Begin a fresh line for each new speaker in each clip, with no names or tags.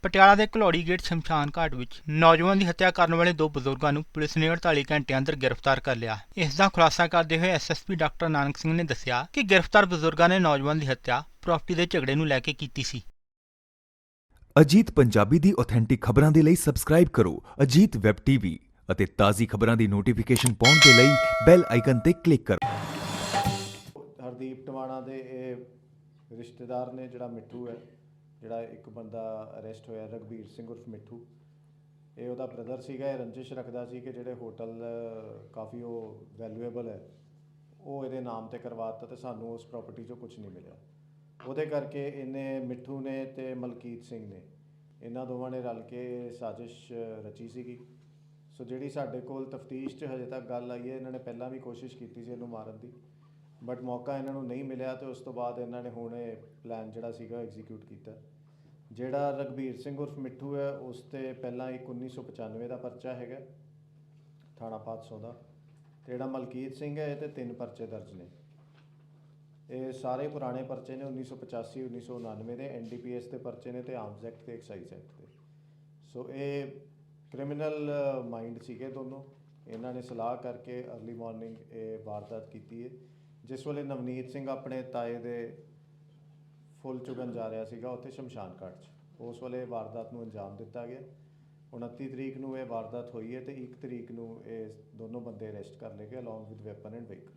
ਪਟਿਆਲਾ ਦੇ ਘਲੌੜੀ ਗੇਟ ਸ਼ਮਸ਼ਾਨ ਘਾਟ ਵਿੱਚ ਨੌਜਵਾਨ ਦੀ ਹੱਤਿਆ ਕਰਨ ਵਾਲੇ ਦੋ ਬਜ਼ੁਰਗਾਂ ਨੂੰ ਪੁਲਿਸ ਨੇ 48 ਘੰਟਿਆਂ ਅੰਦਰ ਗ੍ਰਿਫਤਾਰ ਕਰ ਲਿਆ। ਇਸ ਦਾ ਖੁਲਾਸਾ ਕਰਦੇ ਹੋਏ ਐਸਐਸਪੀ ਡਾਕਟਰ ਨਾਨਕ ਸਿੰਘ ਨੇ ਦੱਸਿਆ ਕਿ ਗ੍ਰਿਫਤਾਰ ਬਜ਼ੁਰਗਾਂ ਨੇ ਨੌਜਵਾਨ ਦੀ ਹੱਤਿਆ ਪ੍ਰਾਪਰਟੀ ਦੇ ਝਗੜੇ ਨੂੰ ਲੈ ਕੇ ਕੀਤੀ ਸੀ।
ਅਜੀਤ ਪੰਜਾਬੀ ਦੀ ਆਥੈਂਟਿਕ ਖਬਰਾਂ ਦੇ ਲਈ ਸਬਸਕ੍ਰਾਈਬ ਕਰੋ ਅਜੀਤ ਵੈਬ ਟੀਵੀ ਅਤੇ ਤਾਜ਼ੀ ਖਬਰਾਂ ਦੀ ਨੋਟੀਫਿਕੇਸ਼ਨ ਪਾਉਣ ਦੇ ਲਈ ਬੈਲ ਆਈਕਨ ਤੇ ਕਲਿੱਕ ਕਰੋ।
ਹਰਦੀਪ ਟਵਾਣਾ ਦੇ ਇਹ ਰਿਸ਼ਤੇਦਾਰ ਨੇ ਜਿਹੜਾ ਮਿੱਠੂ ਹੈ, ਜਿਹੜਾ ਇੱਕ ਬੰਦਾ ਅਰੈਸਟ ਹੋਇਆ ਰਘਬੀਰ ਸਿੰਘ ਉਰਫ ਮਿੱਠੂ, ਇਹ ਉਹਦਾ ਬ੍ਰਦਰ ਸੀਗਾ। ਇਹ ਰੰਜਿਸ਼ ਰੱਖਦਾ ਸੀ ਕਿ ਜਿਹੜੇ ਹੋਟਲ ਕਾਫੀ ਉਹ ਵੈਲਿਊਏਬਲ ਹੈ ਉਹ ਇਹਦੇ ਨਾਮ ਤੇ ਕਰਵਾਤਾ ਤੇ ਸਾਨੂੰ ਉਸ ਪ੍ਰਾਪਰਟੀ 'ਚੋਂ ਕੁਝ ਨਹੀਂ ਮਿਲਿਆ। ਉਹਦੇ ਕਰਕੇ ਇਹਨੇ ਮਿੱਠੂ ਨੇ ਤੇ ਮਲਕੀਤ ਸਿੰਘ ਨੇ ਇਹਨਾਂ ਦੋਵਾਂ ਨੇ ਰਲ ਕੇ ਸਾਜ਼ਿਸ਼ ਰਚੀ ਸੀਗੀ। ਸੋ ਜਿਹੜੀ ਸਾਡੇ ਕੋਲ ਤਫਤੀਸ਼ 'ਚ ਹਜੇ ਤੱਕ ਗੱਲ ਆਈ ਹੈ, ਇਹਨਾਂ ਨੇ ਪਹਿਲਾਂ ਵੀ ਕੋਸ਼ਿਸ਼ ਕੀਤੀ ਸੀ ਇਹਨੂੰ ਮਾਰਨ ਦੀ, ਬਟ ਮੌਕਾ ਇਹਨਾਂ ਨੂੰ ਨਹੀਂ ਮਿਲਿਆ ਤੇ ਉਸ ਤੋਂ ਬਾਅਦ ਇਹਨਾਂ ਨੇ ਹੁਣ ਇਹ ਪਲਾਨ ਜਿਹੜਾ ਸੀਗਾ ਐਗਜ਼ੀਕਿਊਟ ਕੀਤਾ। ਜਿਹੜਾ ਰਘਬੀਰ ਸਿੰਘ ਉਰਫ ਮਿੱਠੂ ਹੈ ਉਸ 'ਤੇ ਪਹਿਲਾਂ ਇੱਕ 1995 ਦਾ ਪਰਚਾ ਹੈਗਾ ਥਾਣਾ 500 ਦਾ, ਅਤੇ ਜਿਹੜਾ ਮਲਕੀਤ ਸਿੰਘ ਹੈ ਇਹ 'ਤੇ 3 ਪਰਚੇ ਦਰਜ ਨੇ। ਇਹ ਸਾਰੇ ਪੁਰਾਣੇ ਪਰਚੇ ਨੇ 1985 1999 ਦੇ NDPS ਦੇ ਪਰਚੇ ਨੇ ਅਤੇ ਆਰਮਜ਼ ਐਕਟ ਅਤੇ ਐਕਸਾਈਜ਼ ਐਕਟ ਦੇ। ਸੋ ਇਹ ਕ੍ਰਿਮੀਨਲ ਮਾਈਂਡ ਸੀਗੇ ਦੋਨੋਂ। ਇਹਨਾਂ ਨੇ ਸਲਾਹ ਕਰਕੇ ਅਰਲੀ ਮਾਰਨਿੰਗ ਇਹ ਵਾਰਦਾਤ ਕੀਤੀ ਹੈ। ਜਿਸ ਵੇਲੇ ਨਵਨੀਤ ਸਿੰਘ ਆਪਣੇ ਤਾਏ ਦੇ ਫੁੱਲ ਚੁਗਣ ਜਾ ਰਿਹਾ ਸੀਗਾ ਉੱਥੇ ਸ਼ਮਸ਼ਾਨ ਘਾਟ 'ਚ, ਉਸ ਵੇਲੇ ਵਾਰਦਾਤ ਨੂੰ ਅੰਜਾਮ ਦਿੱਤਾ ਗਿਆ। 29 ਤਰੀਕ ਨੂੰ ਇਹ ਵਾਰਦਾਤ ਹੋਈ ਹੈ ਅਤੇ 1 ਤਰੀਕ ਨੂੰ ਇਹ ਦੋਨੋਂ ਬੰਦੇ ਅਰੈਸਟ ਕਰ ਲਏ ਗਏ along with weapon and vehicle.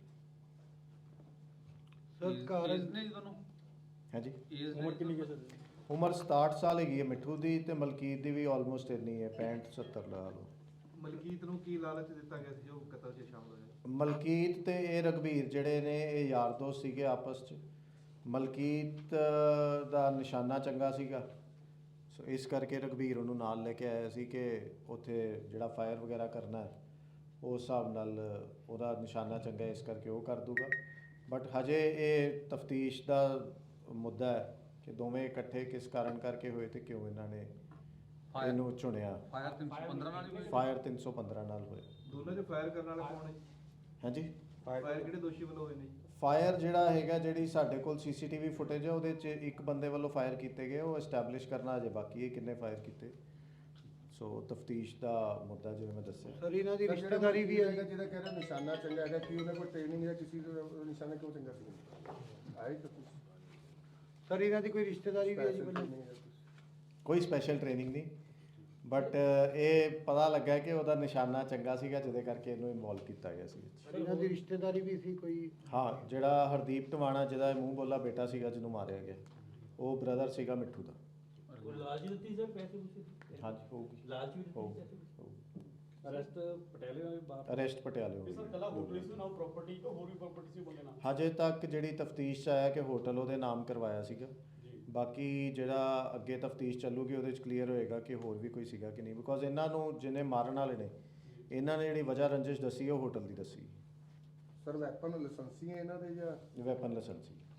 ਹਾਂਜੀ, ਉਮਰ ਕਿੰਨੀ ਹੈ ਸਰ? ਉਮਰ 67 ਸਾਲ ਹੈਗੀ ਹੈ ਮਿੱਠੂ ਦੀ ਅਤੇ ਮਲਕੀਤ ਦੀ ਵੀ ਆਲਮੋਸਟ ਇੰਨੀ ਹੈ 65-70 ਲਾ ਲਓ।
ਮਲਕੀਤ ਨੂੰ ਕੀ ਲਾਲਚ ਦਿੱਤਾ ਗਿਆ ਸੀ ਜੋ ਕਤਲ 'ਚ ਸ਼ਾਮਲ ਹੋਇਆ?
ਮਲਕੀਤ ਤੇ ਇਹ ਰਘਬੀਰ ਜਿਹੜੇ ਨੇ ਇਹ ਯਾਰ ਦੋਸਤ ਸੀਗੇ ਆਪਸ 'ਚ। ਮਲਕੀਤ ਦਾ ਨਿਸ਼ਾਨਾ ਚੰਗਾ ਸੀਗਾ, ਸੋ ਇਸ ਕਰਕੇ ਰਘਬੀਰ ਉਹਨੂੰ ਨਾਲ ਲੈ ਕੇ ਆਇਆ ਸੀ ਕਿ ਉੱਥੇ ਜਿਹੜਾ ਫਾਇਰ ਵਗੈਰਾ ਕਰਨਾ ਹੈ ਉਸ ਹਿਸਾਬ ਨਾਲ ਉਹਦਾ ਨਿਸ਼ਾਨਾ ਚੰਗਾ, ਇਸ ਕਰਕੇ ਉਹ ਕਰ ਦੂਗਾ। ਬਟ ਹਜੇ ਇਹ ਤਫਤੀਸ਼ ਦਾ ਮੁੱਦਾ ਹੈ ਕਿ ਦੋਵੇਂ ਇਕੱਠੇ ਕਿਸ ਕਾਰਨ ਕਰਕੇ ਹੋਏ ਤੇ ਕਿਉਂ ਇਹਨਾਂ ਨੇ ਇਹਨੂੰ ਚੁਣਿਆ। ਫਾਇਰ 315 ਨਾਲ ਹੋਇਆ।
ਦੋਨਾਂ 'ਚ ਫਾਇਰ ਕਰਨ ਵਾਲਾ ਕੌਣ ਹੈ?
ਹਾਂਜੀ,
ਫਾਇਰ ਕਿਹੜੇ ਦੋਸ਼ੀ ਵੱਲੋਂ ਹੋਏ ਨੇ?
ਫਾਇਰ ਜਿਹੜਾ ਹੈਗਾ, ਜਿਹੜੀ ਸਾਡੇ ਕੋਲ CCTV ਫੁਟੇਜ ਹੈ ਉਹਦੇ 'ਚ ਇੱਕ ਬੰਦੇ ਵੱਲੋਂ ਫਾਇਰ ਕੀਤੇ ਗਏ, ਉਹ ਐਸਟੈਬਲਿਸ਼ ਕਰਨਾ ਅਜੇ ਬਾਕੀ ਹੈ ਕਿੰਨੇ ਫਾਇਰ ਕੀਤੇ। ਸੋ ਤਫਤੀਸ਼ ਦਾ ਮੁੱਦਾ ਜਿਵੇਂ ਮੈਂ ਦੱਸਿਆ।
ਸਰ ਇਹਨਾਂ ਦੀ ਰਿਸ਼ਤੇਦਾਰੀ ਵੀ ਹੈਗਾ ਜਿਹਦਾ ਕਹਿ ਰਿਹਾ ਨਿਸ਼ਾਨਾ ਚੰਗਾ ਹੈਗਾ, ਕਿ ਉਹਨਾਂ ਕੋਲ ਟ੍ਰੇਨਿੰਗ ਹੈ ਕਿਸੇ ਦਾ ਨਿਸ਼ਾਨਾ ਕਿਉਂ ਚੰਗਾ ਸੀ? ਆਈ ਤਾਂ ਸਰ ਇਹਨਾਂ ਦੀ ਕੋਈ ਰਿਸ਼ਤੇਦਾਰੀ ਵੀ ਹੈ ਜੀ?
ਕੋਈ ਸਪੈਸ਼ਲ ਟ੍ਰੇਨਿੰਗ ਨਹੀਂ, ਬਟ ਇਹ ਪਤਾ ਲੱਗਾ ਕਿ ਉਹਦਾ ਨਿਸ਼ਾਨਾ ਚੰਗਾ ਸੀਗਾ ਜਿਹਦੇ ਕਰਕੇ ਇਹਨੂੰ ਇਨਵੋਲਵ ਕੀਤਾ ਗਿਆ ਸੀ।
ਇਹਨਾਂ ਦੀ ਰਿਸ਼ਤੇਦਾਰੀ ਵੀ ਸੀ ਕੋਈ?
ਹਾਂ, ਜਿਹੜਾ ਹਰਦੀਪ ਟਵਾਣਾ ਜਿਹਦਾ ਮੂੰਹ ਬੋਲਾ ਬੇਟਾ ਸੀਗਾ ਜਿਹਨੂੰ ਮਾਰਿਆ ਗਿਆ, ਉਹ ਬ੍ਰਦਰ ਸੀਗਾ ਮਿੱਠੂ ਦਾ।
ਲਾਲਚ ਦਿੱਤੀ ਸਰ ਪੈਸੇ ਪੂਸੇ?
ਹਾਂਜੀ, ਹੋਊਗੀ।
ਲਾਲਚ ਵੀ ਦਿੱਤੀ? ਅਰੈਸਟ ਪਟਿਆਲੇ ਹੋਏ ਬਾਹਰ?
ਅਰੈਸਟ ਪਟਿਆਲੇ ਹੋ
ਸਰ ਕੱਲਾ ਹੋਟਲ ਸੀ ਨਾ ਪ੍ਰਾਪਰਟੀ ਕੋ ਹੋਰ ਵੀ ਪ੍ਰਾਪਰਟੀ ਸੀ ਬੰਦੇ ਨਾਲ?
ਹਜੇ ਤੱਕ ਜਿਹੜੀ ਤਫਤੀਸ਼ 'ਚ ਆਇਆ ਕਿ ਹੋਟਲ ਉਹਦੇ ਨਾਮ ਕਰਵਾਇਆ ਸੀਗਾ। ਬਾਕੀ ਜਿਹੜਾ ਅੱਗੇ ਤਫਤੀਸ਼ ਚੱਲੂਗੀ ਉਹਦੇ 'ਚ ਕਲੀਅਰ ਹੋਏਗਾ ਕਿ ਹੋਰ ਵੀ ਕੋਈ ਸੀਗਾ ਕਿ ਨਹੀਂ, ਬਿਕੋਜ਼ ਇਹਨਾਂ ਨੂੰ ਜਿਹਨੇ ਮਾਰਨ ਵਾਲੇ ਨੇ ਇਹਨਾਂ ਨੇ ਜਿਹੜੀ ਵਜ੍ਹਾ ਰੰਜਿਸ਼ ਦੱਸੀ ਉਹ ਹੋਟਲ ਦੀ ਦੱਸੀ।
ਸਰ ਵੈਪਨ ਲਾਇਸੈਂਸੀ ਹੈ ਇਹਨਾਂ ਦੇ ਜਾਂ?
ਵੈਪਨ ਲਾਇਸੈਂਸੀ।